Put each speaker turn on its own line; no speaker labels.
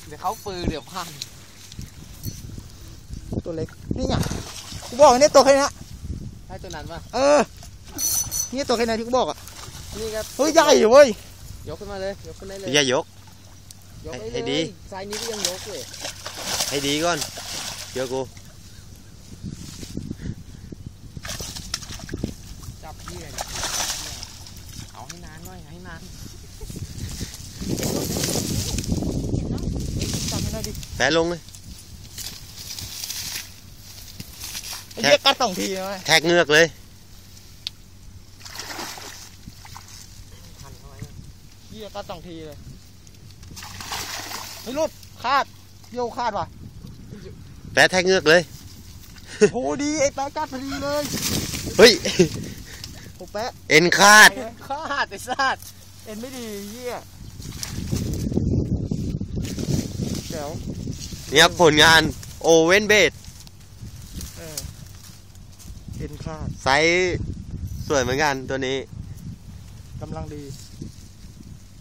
เดี๋ยวเขาปืนเดี๋ยวพัน
ตัวเล็กนี่ไงกูบอกเนี่ยตัวแค่นี้
ใช่ตัวนั้นป่ะ
นี่ตัวแค่นี้ที่กูบอกอ่ะ
นี่ครับ
เฮ้ยใหญ่เว้ย
ยกขึ้นมาเลยยกขึ้นได้เลย
อย่ายก
ให้ดีไซส์นี้ก็ยังยกเลย
ให้ดีก่อนเดี๋ยวกู
จับพี่เลยเอาให้นานหน่อยให้นาน
จับให้ได้ดิ
แปะลงเลย
เรียกกัด2 ทีไหม
แทกเงือกเลย
เรียกกัด2 ทีเลยไม่รุดคาดโยคาดว่ะ
แปะแทกเงือกเลย
โหดีไอ้แปะกัดพอดีเลย
เฮ้ย
โหแปะ
เอ็นคาด
ไอ้สัตว์
เอ็นไม่ดีเหี้ยเดี๋ยว
นี่ครับผลงานโอเว่นเบด
เอ็นคาด
ไซส์สวยเหมือนกันตัวนี้
กำลังดี